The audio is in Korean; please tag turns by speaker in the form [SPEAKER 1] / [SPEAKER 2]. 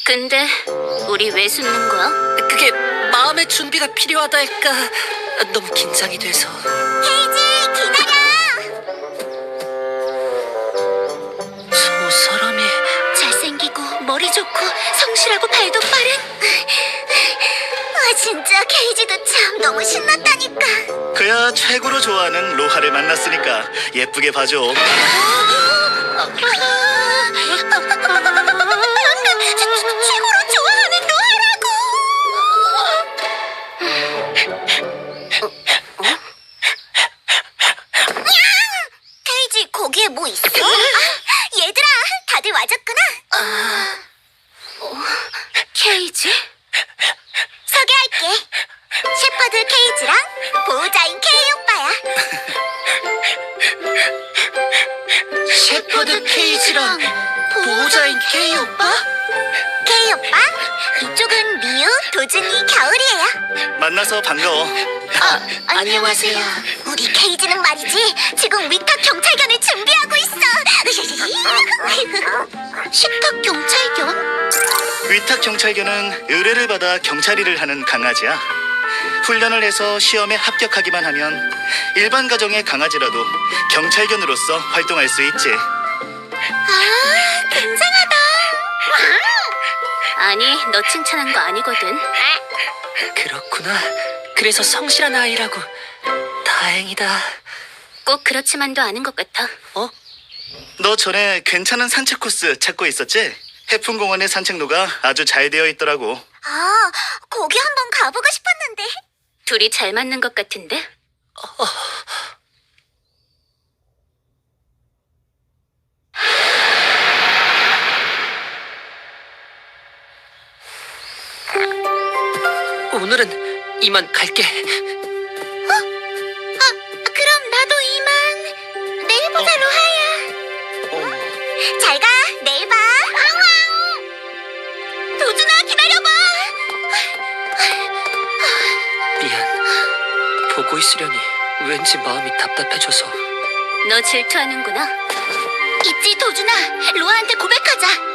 [SPEAKER 1] 근데 우리 왜 숨는 거야?
[SPEAKER 2] 그게 마음의 준비가 필요하달까. 너무 긴장이 돼서.
[SPEAKER 3] 헤이지, 기다려!
[SPEAKER 2] 저 사람이
[SPEAKER 1] 잘생기고 머리 좋고 성실하고 발도 빠른.
[SPEAKER 3] 진짜 케이지도 참 너무 신났다니까.
[SPEAKER 4] 그야 최고로 좋아하는 로하를 만났으니까 예쁘게 봐줘.
[SPEAKER 3] 최고로 좋아하는 로하라고. 케이지, 거기에 뭐 있어? 얘들아, 다들 와줬구나.
[SPEAKER 1] 케이지?
[SPEAKER 3] 소개할게. 셰퍼드 케이지랑 보호자인 케이 오빠야.
[SPEAKER 2] 셰퍼드 케이지랑 보호자인 케이 오빠?
[SPEAKER 3] 케이 오빠, 이쪽은 미유, 도준이, 겨울이에요.
[SPEAKER 4] 만나서 반가워.
[SPEAKER 2] 안녕하세요.
[SPEAKER 3] 우리 케이지는 말이지, 지금 위탁 경찰견을 준비하고 있어.
[SPEAKER 1] 식탁 경찰견?
[SPEAKER 4] 위탁 경찰견은 의뢰를 받아 경찰 일을 하는 강아지야. 훈련을 해서 시험에 합격하기만 하면 일반 가정의 강아지라도 경찰견으로서 활동할 수 있지.
[SPEAKER 3] 굉장하다.
[SPEAKER 1] 아니, 너 칭찬한 거 아니거든.
[SPEAKER 2] 그렇구나. 그래서 성실한 아이라고. 다행이다.
[SPEAKER 1] 꼭 그렇지만도 않은 것 같아.
[SPEAKER 4] 너 전에 괜찮은 산책 코스 찾고 있었지? 해풍공원의 산책로가 아주 잘 되어 있더라고.
[SPEAKER 3] 아, 거기 한번 가보고 싶었는데.
[SPEAKER 1] 둘이 잘 맞는 것 같은데?
[SPEAKER 2] 오늘은 이만 갈게.
[SPEAKER 3] 그럼 나도 이만. 내일 보자, 로하야. 잘 가, 내일 봐. 도준아, 기다려봐.
[SPEAKER 2] 미안. 보고 있으려니 왠지 마음이 답답해져서.
[SPEAKER 1] 너 질투하는구나.
[SPEAKER 3] 있지, 도준아. 로아한테 고백하자.